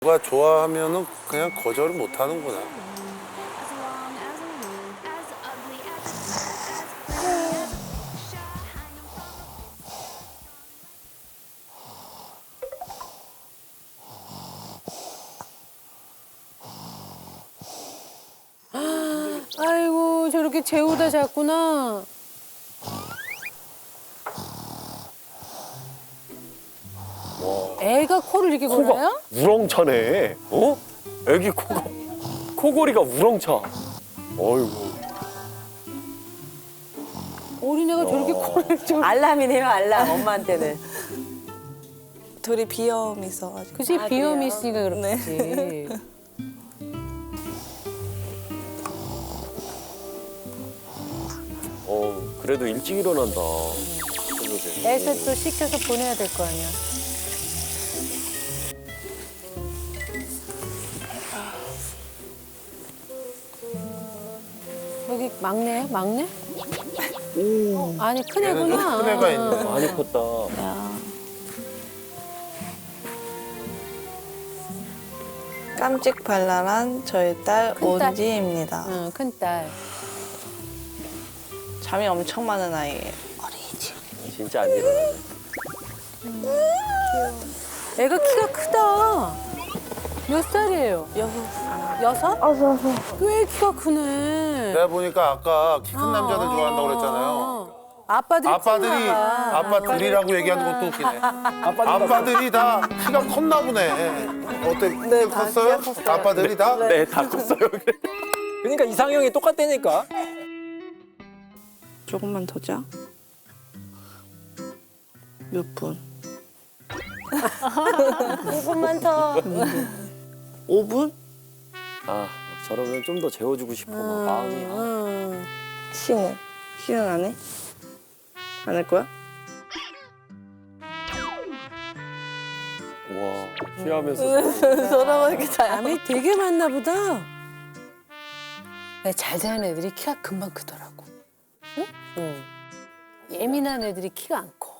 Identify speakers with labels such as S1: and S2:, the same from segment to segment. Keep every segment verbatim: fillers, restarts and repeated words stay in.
S1: 누가 좋아하면은 그냥 거절을 못 하는구나.
S2: 아이고 저렇게 재우다 잤구나. 애가 코를 이렇게 골아요?
S3: 우렁차네. 어? 애기 코가 코골이가 우렁차. 어이구.
S2: 어린애가 저렇게 코를 좀.
S4: 알람이네요, 알람, 엄마한테는.
S5: 둘이 비염이 있어가지고.
S2: 그치
S4: 아,
S2: 비염이
S4: 그래요?
S2: 있으니까 그렇지.
S3: 어 그래도 일찍 일어난다. 새벽에.
S2: 애서 또 시켜서 보내야 될 거 아니야. 여기 막내야? 막내? 어, 아니 큰
S1: 얘는 좀
S2: 애구나.
S1: 큰 애가 있네.
S3: 많이 컸다.
S5: 깜찍 발랄한 저희 딸
S2: 큰 딸.
S5: 온지입니다.
S2: 응, 큰 딸.
S5: 잠이 엄청 많은 아이예요.
S3: 진짜 안 일어나네.
S2: 애가 키가 크다. 몇 살이에요?
S5: 여섯.
S2: 여섯? 꽤 키가 크네.
S1: 내가 보니까 아까 키 큰 남자들 좋아한다고 그랬잖아요.
S2: 아빠들이
S1: 아빠들이
S2: 컸나 봐.
S1: 아빠들이라고 얘기하는 것도 웃기네. 아빠들이 다 키가 컸나 보네. 어때? 네, 컸어요? 아빠들이 다?
S3: 네, 다 컸어요.
S6: 그러니까 이상형이 똑같다니까.
S5: 조금만 더 자. 몇 분?
S4: 조금만 더.
S5: 오 분?
S3: 아 저러면 좀 더 재워주고 싶어. 막 마음이. 아.
S2: 응.
S5: 쉬는. 쉬는 안 해? 안 할 거야?
S3: 와 쉬하면서.
S5: 서로 이렇게 잘.
S2: 잠이 되게 많나 보다. 네, 잘 자는 애들이 키가 금방 크더라고. 응? 응. 예민한 애들이 키가 안 커.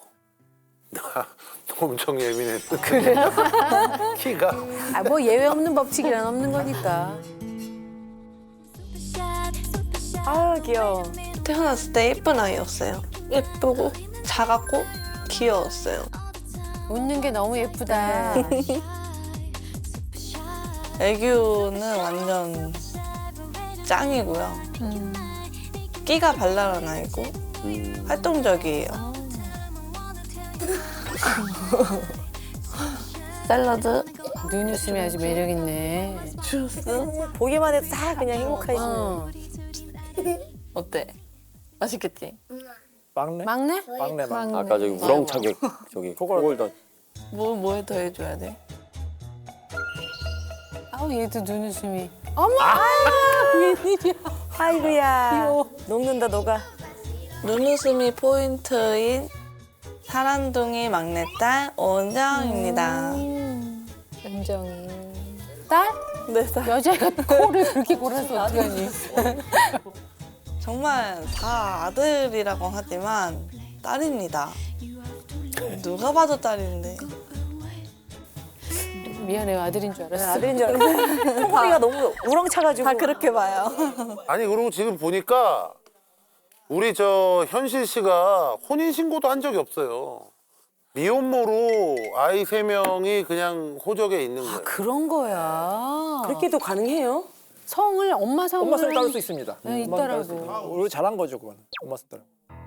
S1: 엄청 예민했어. 그래요? 키가.
S2: 아, 뭐 예외 없는 법칙이란 없는 거니까.
S4: 아, 귀여워.
S5: 태어났을 때 예쁜 아이였어요. 예쁘고 작았고 귀여웠어요.
S2: 웃는 게 너무 예쁘다.
S5: 애교는 완전 짱이고요. 끼가 발랄한 아이고
S3: 음.
S5: 활동적이에요. 샐러드,
S2: 눈웃음이 아주 매력 있네.
S5: 주스.
S4: 보기만 해도 다 그냥 행복하시네.
S2: 어.
S5: 어때? 맛있겠지?
S6: 막내?
S2: 막내?
S6: 막내 막.
S3: 아까 저기 우렁차게 저기 코골던.
S5: 뭐, 뭐에 더 해줘야 돼?
S2: 아우 얘도 눈웃음이. 어머! 아유, 웬일이야.
S4: 아이고야.
S2: 귀여워.
S4: 녹는다, 녹아.
S5: 눈웃음이 포인트인 사란둥이 막내딸 오은정입니다.
S2: 연정이. 딸?
S5: 네, 딸.
S2: 여자가 코를 그렇게 골아서 어떡하니.
S5: 정말 다 아들이라고 하지만 딸입니다. 누가 봐도 딸인데.
S2: 미안해요. 아들인 줄 알았어.
S4: 아들인 줄 알았는데. 코골이가 너무 우렁차가지고.
S5: 다 그렇게 봐요.
S1: 아니 그리고 지금 보니까 우리 저 현실 씨가 혼인 신고도 한 적이 없어요. 미혼모로 아이 세 명이 그냥 호적에 있는 거예요.
S2: 그런 거야.
S4: 그렇게도 가능해요?
S2: 성을 엄마 성을
S6: 엄마 손 따를 수 있습니다.
S2: 네,
S6: 엄마 손 따를 수
S2: 있더라고.
S6: 있어요. 우리 잘한 거죠 그건. 엄마 손 따라.